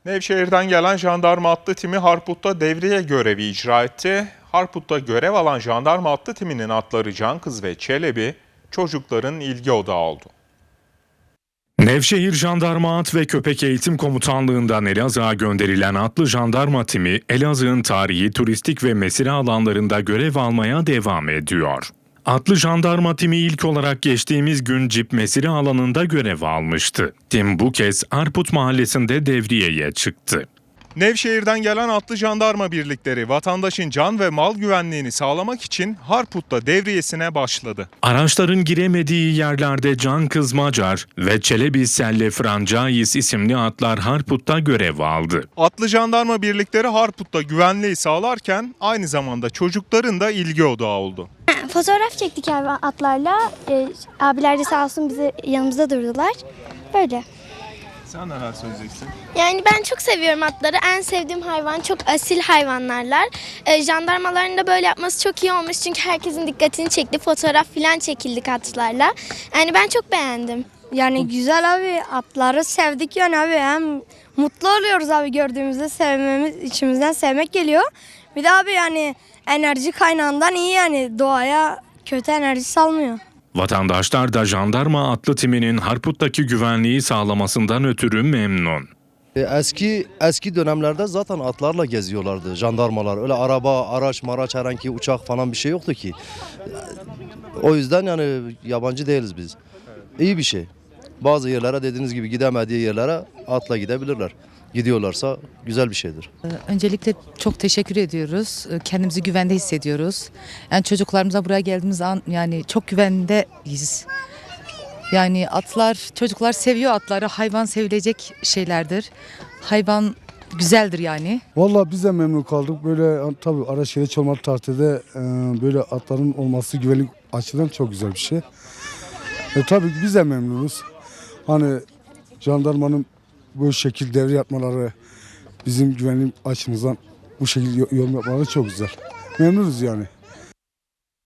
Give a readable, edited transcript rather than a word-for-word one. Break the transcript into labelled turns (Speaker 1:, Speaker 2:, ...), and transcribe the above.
Speaker 1: Nevşehir'den gelen jandarma atlı timi Harput'ta devriye görevi icra etti. Harput'ta görev alan jandarma atlı timinin atları Cankız ve Çelebi çocukların ilgi odağı oldu.
Speaker 2: Nevşehir Jandarma At ve Köpek Eğitim Komutanlığı'ndan Elazığ'a gönderilen atlı jandarma timi, Elazığ'ın tarihi, turistik ve mesire alanlarında görev almaya devam ediyor. Atlı jandarma timi ilk olarak geçtiğimiz gün Cip mesire alanında görev almıştı. Tim bu kez Harput mahallesinde devriyeye çıktı.
Speaker 1: Nevşehir'den gelen atlı jandarma birlikleri vatandaşın can ve mal güvenliğini sağlamak için Harput'ta devriyesine başladı.
Speaker 2: Araçların giremediği yerlerde Cankız Macar ve Çelebi Selle Francais isimli atlar Harput'ta görev aldı.
Speaker 1: Atlı jandarma birlikleri Harput'ta güvenliği sağlarken aynı zamanda çocukların da ilgi odağı oldu.
Speaker 3: Fotoğraf çektik atlarla. Abiler de sağ olsun bizi yanımızda durdular. Böyle.
Speaker 1: Sen neler söyleyeceksin?
Speaker 3: Yani ben çok seviyorum atları. En sevdiğim hayvan, çok asil hayvanlarlar. Jandarmaların da böyle yapması çok iyi olmuş. Çünkü herkesin dikkatini çekti. Fotoğraf falan çekildik atlarla. Yani ben çok beğendim.
Speaker 4: Yani güzel abi, atları sevdik yani abi, hem mutlu oluyoruz abi gördüğümüzde, sevmemiz, içimizden sevmek geliyor. Bir de abi yani enerji kaynağından iyi, yani doğaya kötü enerji salmıyor.
Speaker 2: Vatandaşlar da jandarma atlı timinin Harput'taki güvenliği sağlamasından ötürü memnun.
Speaker 5: Eski dönemlerde zaten atlarla geziyorlardı jandarmalar. Öyle araba, araç, herhangi uçak falan bir şey yoktu ki. O yüzden yani yabancı değiliz biz. İyi bir şey. Bazı yerlere dediğiniz gibi gidemediği yerlere atla gidebilirler. Gidiyorlarsa güzel bir şeydir.
Speaker 6: Öncelikle çok teşekkür ediyoruz. Kendimizi güvende hissediyoruz. Yani çocuklarımıza buraya geldiğimiz an yani çok güvendeyiz. Yani çocuklar seviyor atları. Hayvan sevilecek şeylerdir. Hayvan güzeldir yani.
Speaker 7: Vallahi biz de memnun kaldık. Böyle tabii araç gereç olmadığı takdirde böyle atların olması güvenlik açıdan çok güzel bir şey. Tabii ki biz de memnunuz. Hani jandarmanın bu şekilde devre yapmaları, bizim güvenlik açımızdan bu şekilde yorum yapmaları çok güzel. Memnunuz yani.